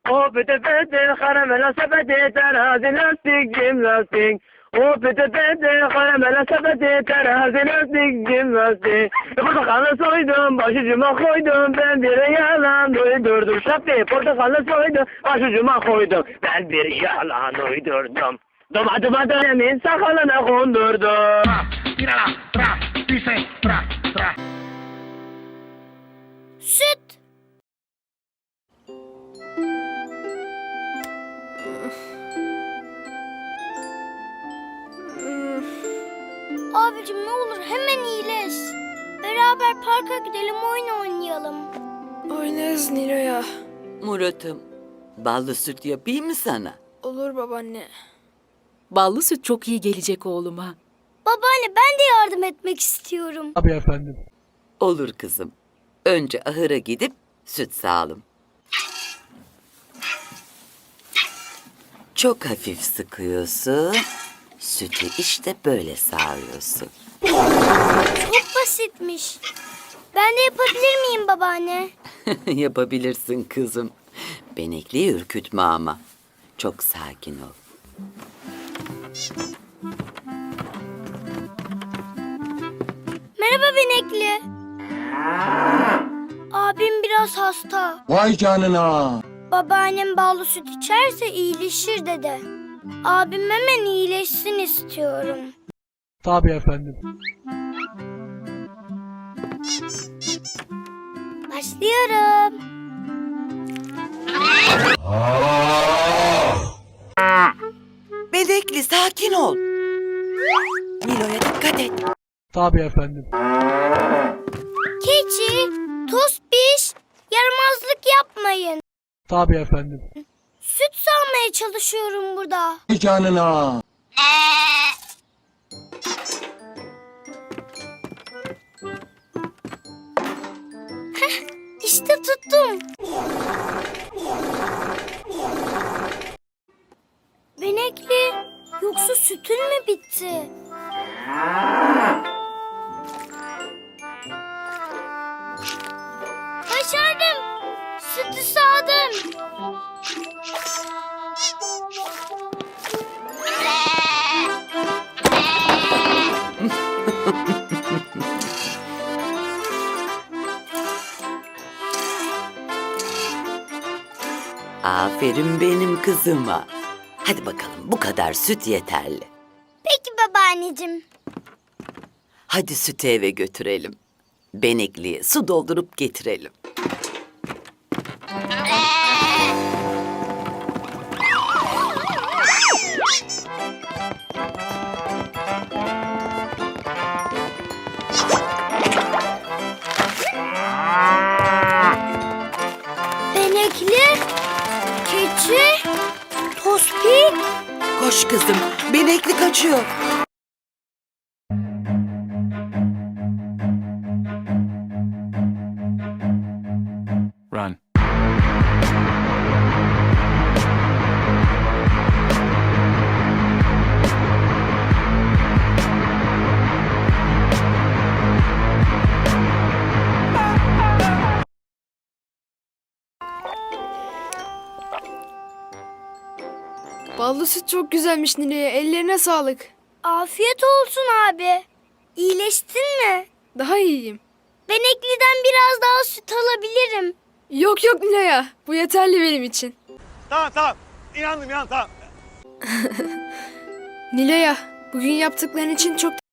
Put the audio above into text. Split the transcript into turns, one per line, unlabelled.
O pıtı pıtı karamela sepeti terazi lastik cimnastik. O pıtı pıtı karamela sepeti terazi lastik cimnastik. Portakalı soydum başucuma koydum ben bir yalan uydurdum. Şapti portakalı soydum başucuma koydum ben bir yalan uydurdum. Domatıma dönemin sakalına kondurdum.
Tírala, tra, dice, tra, tra.
Süt. Abicim ne olur hemen iyileş. Beraber parka gidelim oyun oynayalım.
Oynarız Nilo'ya.
Murat'ım, ballı süt yapayım mı sana?
Olur babaanne.
Ballı süt çok iyi gelecek oğluma.
Babaanne ben de yardım etmek istiyorum.
Tabii efendim.
Olur kızım. Önce ahıra gidip süt sağalım. Çok hafif sıkıyorsun. Sütü işte böyle sağıyorsun.
Çok basitmiş. Ben de yapabilir miyim babaanne?
Yapabilirsin kızım. Benekliyi ürkütme ama. Çok sakin ol.
Merhaba Benekli. Abim biraz hasta.
Vay canına.
Babaannem ballı süt içerse iyileşir dedi. Abim hemen iyileşsin istiyorum.
Tabii efendim.
Başlıyorum.
Benekli sakin ol. Nilo'ya dikkat et.
Tabii efendim.
Keçi, tospiş, yaramazlık yapmayın.
Tabii efendim.
Süt sağmaya çalışıyorum burada.
Vay canına.
İşte tuttum. Benekli, yoksa sütün mü bitti? Başardım. Sütü sağdım.
Aferin benim kızıma. Hadi bakalım bu kadar süt yeterli.
Peki babaanneciğim.
Hadi sütü eve götürelim. Benekliye su doldurup getirelim.
Benekli, keçi, tospik.
Koş kızım, benekli kaçıyor.
Run.
Ballı süt çok güzelmiş Nilo'ya. Ellerine sağlık.
Afiyet olsun abi. İyileştin mi?
Daha iyiyim.
Benekli'den biraz daha süt alabilirim.
Yok yok Nilo'ya. Bu yeterli benim için.
Tamam. İnandım tamam.
Nilo'ya, bugün yaptıkların için çok